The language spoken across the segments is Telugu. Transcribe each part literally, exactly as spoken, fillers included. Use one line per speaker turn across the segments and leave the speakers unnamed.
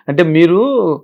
అంటే మీరు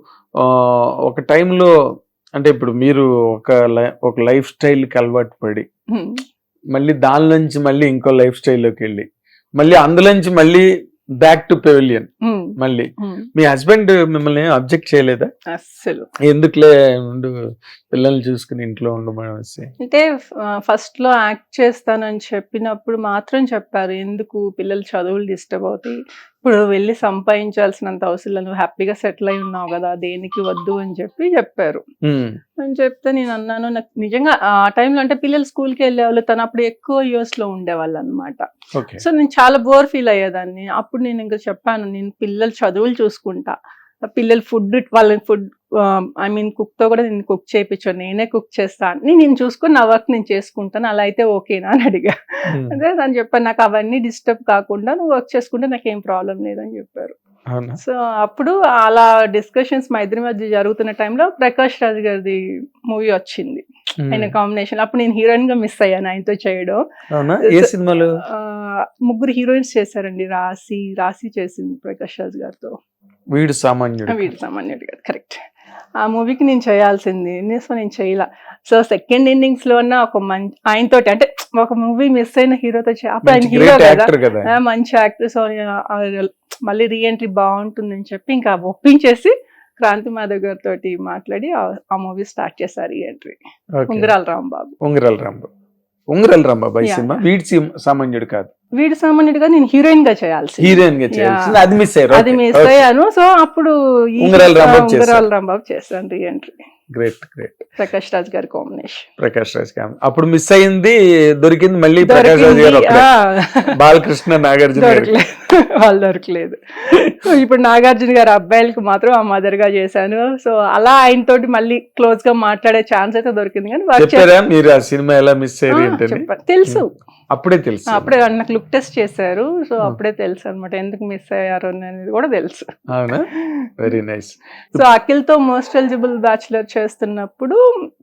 ఆహ్, ఒక టైంలో అంటే ఇప్పుడు మీరు ఒక లై ఒక లైఫ్ స్టైల్‌కి అలవాటు పడి,
హ్మ్.
మళ్ళీ దాని నుంచి మళ్ళీ ఇంకో లైఫ్ స్టైల్‌లోకెళ్ళి, మళ్ళీ అందులోంచి మళ్ళీ బ్యాక్ టు పెవిలియన్
హ్మ్.
మళ్ళీ.
హ్మ్.
మీ హస్బెండ్ మిమ్మల్ని ఏం అబ్జెక్ట్ చేయలేదా?
అస్సలు.
ఎందుకులే ఉండు పిల్లల్ని చూసుకుని ఇంట్లో ఉండమనేసి.
అంటే ఆహ్, ఫస్ట్‌లో యాక్ట్ చేస్తానని చెప్పినప్పుడు మాత్రం చెప్పారు. ఎందుకు పిల్లల చదువులు డిస్టర్బ్ అవుతాయి. ఇప్పుడు వెళ్లి సంపాదించాల్సినంత అవసరం లేదు. నువ్వు హ్యాపీగా సెటిల్ అయి ఉన్నావు గదా! దేనికి వద్దు అని చెప్పి చెప్పారు.
హ్మ్.
అని చెప్తే నేను అన్నాను నాకు నిజంగా ఆ టైంలో అంటే పిల్లలు స్కూల్‌కి వెళ్ళేవాళ్ళు. తను అప్పుడు ఎక్కువ యూఎస్‌లో ఉండేవాళ్ళనమాట.
ఓకే.
సో నేను చాలా బోర్ ఫీల్ అయ్యేదాన్ని. అప్పుడు నేను ఇంక చెప్పాను నేను పిల్లల చదువులు చూసుకుంటా. పిల్లలు ఫుడ్ వాళ్ళకి ఫుడ్ ఆహ్, ఐ మీన్ కుక్‌తో కూడా నేను కుక్ చేపిచ్చను. నేనే కుక్ చేస్తా. అన్నీ నేను చూసుకొని నా వర్క్ నేను చేసుకుంటాను. అలా అయితే ఓకేనా అని అడిగా.
హ్మ్.
అదే తను చెప్పాను నాకు అవన్నీ డిస్టర్బ్ కాకుండా నువ్వు వర్క్ చేసుకుంటే నాకేం ప్రాబ్లమ్ లేదని చెప్పారు.
అవునా?
సో అప్పుడు అలా డిస్కషన్స్ మా ఇద్దరి మధ్య జరుగుతున్న టైంలో ప్రకాష్ రాజ్ గారిది మూవీ వచ్చింది. ఆయన
హ్మ్.
కాంబినేషన్. అప్పుడు నేను హీరోయిన్‌గా మిస్ అయ్యాను ఆయనతో చేయడం.
అవునా? ఏ
సో
సినిమాలో?
ఆహ్, ముగ్గురు హీరోయిన్స్ చేశారండి. రాశి, రాశి చేసింది ప్రకాష్ రాజ్ గారితో.
వీడు సామాన్యుడు
ఆ!
కాదు.
వీడు సామాన్యుడు కాదు. కరెక్ట్. ఆ మూవీకి నేను చేయాల్సింది. నే సో నేను చేయలా. సో సెకండ్ ఇన్నింగ్స్‌లో అన్నా ఒక మం ఆయనతోటి అంటే ఒక మూవీ మిస్ అయిన హీరోతో చే అప్పుడు ఆయన
మంచి
హీరో
గ్రేట్
గదా!
యాక్టర్ కదా!
ఆ! మంచి యాక్టర్. సో ఆహ్, మళ్ళీ రీ ఎంట్రీ బావుంటుందని చెప్పి ఇంకా ఒప్పించేసి క్రాంతి మాధవ్ గారితోటి మాట్లాడి ఆహ్, ఆ మూవీ స్టార్ట్ చేశా రీ ఎంట్రీ.
ఓకే.
ఉంగరాల రాంబాబు.
ఉంగరాల రాంబాబు. ఉంగరాల రాంబాబు ఈ
యాహ్!
సినిమా.
యాహ్!
వీడి సిమ్ సామాన్యుడు కాదు.
వీడు సామాన్యుడుగా నేను హీరోయిన్‌గా చేయాల్సింది.
హీరోయిన్‌గా చేయాల్సింది.
యాహ్!
అది మిస్ అయ్యారు.
అది
ఓకే.
Miss
okay.
అయ్యాను. సో అప్పుడు ఈ
ఉంగరాల
ఆ!
రాంబాబు చేశారు.
ఉంగరాల రాంబాబు చేశాను re entry.
Great. Great.
Prakash Raj గారి కాంబినేషన్.
ప్రకాష్ రాజ్ గారు. అప్పుడు మిస్ అయింది దొరికింది మళ్ళీ ప్రకాష్ రాజ్
దొరికింది.
గారు ఒక్కడే.
ఆ!
బాలకృష్ణ, నాగార్జున గారు.
దొరకలేదు. వాళ్ళు దొరకలేదు. సో ఇప్పుడు నాగార్జున గారి అబ్బాయిలకి మాత్రం ఆ మదర్‌గా చేశాను. సో అలా ఆయనతోటి మళ్ళీ క్లోజ్‌గా మాట్లాడే ఛాన్స్ అయితే దొరికింది కానీ వర్క్ చేసా
చెప్పారా మీరు ఆ సినిమా ఎలా మిస్
ఆ!
అయ్యారు ఏంటని?
చెప్పాను. తెలుసు.
హ్మ్. అప్పుడే తెలుసు.
అప్పుడే నాకు లుక్ టెస్ట్ చేశారు. సో
హ్మ్.
అప్పుడే తెలుసనమాట. ఎందుకు మిస్ అయ్యారు అనేది కూడా తెలుసు.
అవునా? Very nice.
సో అఖిల్‌తో మోస్ట్ ఎలిజిబుల్ బ్యాచిలర్ చేస్తున్నప్పుడు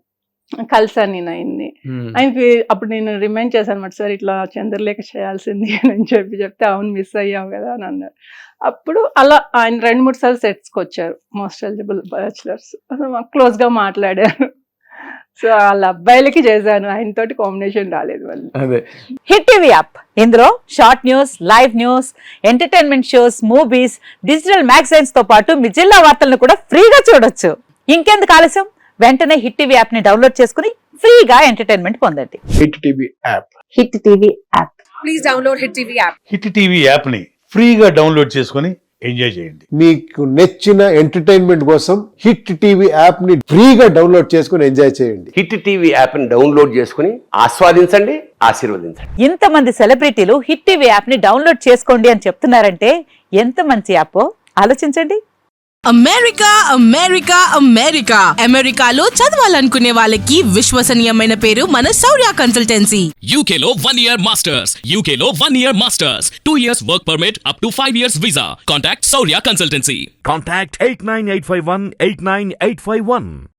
కలిసాను నేను ఆయన్ని.
హ్మ్.
ఆయనకి అప్పుడు నేను రిమైండ్ చేశానన్నమాట. సార్ ఇట్లా చంద్రలేఖ చేయాల్సింది అని చెప్పి చెప్తే అవును మిస్ అయ్యావు కదా అని అన్నారు. అప్పుడు అలా ఆయన రెండు మూడు సార్లు సెట్స్‌కొచ్చారు. Most eligible bachelors. క్లోజ్‌గా మాట్లాడాను. సో వాళ్ళ అబ్బాయిలకి చేశాను. ఆయనతోటి కాంబినేషన్ రాలేదు మళ్ళీ.
అదే.
హిట్ టీవీ యాప్ ఇందులో short news, live news, entertainment shows, movies, digital magazines తో పాటు మీ జిల్లా వార్తలను కూడా ఫ్రీగా చూడొచ్చు. ఇంకెందుకు ఆలస్యం? వెంటనే హిట్ టీవీ యాప్ ని డౌన్లోడ్ చేసుకుని ఫ్రీగా ఎంటర్టైన్మెంట్ పొందండి.
Hit TV app.
Hit TV app.
Please download Hit T V app.
Hit TV యాప్ని ఫ్రీగా డౌన్లోడ్ చేసుకొని ఎంజాయ్ చేయండి.
మీకు నచ్చిన ఎంటర్టైన్మెంట్ కోసం హిట్ టీవీ యాప్ ని ఫ్రీగా డౌన్లోడ్ చేసుకుని ఎంజాయ్ చేయండి.
హిట్ టీవీ యాప్ని డౌన్లోడ్ చేసుకుని ఆస్వాదించండి, ఆశీర్వదించండి.
ఇంతమంది సెలబ్రిటీలు హిట్ టీవీ యాప్ ని డౌన్లోడ్ చేసుకోండి అని చెప్తున్నారంటే ఎంత మంచి యాప్ ఆలోచించండి.
అమెరికా అమెరికా అమెరికా అమెరికాలో చదవాలనుకునే వాళ్ళకి విశ్వసనీయమైన పేరు మన శౌర్య కన్సల్టెన్సీ.
U K లో one year masters. U K లో one year masters. two years work permit up to five years visa. Contact Saurya Consultancy.
Contact eight nine eight five one eight nine eight five one.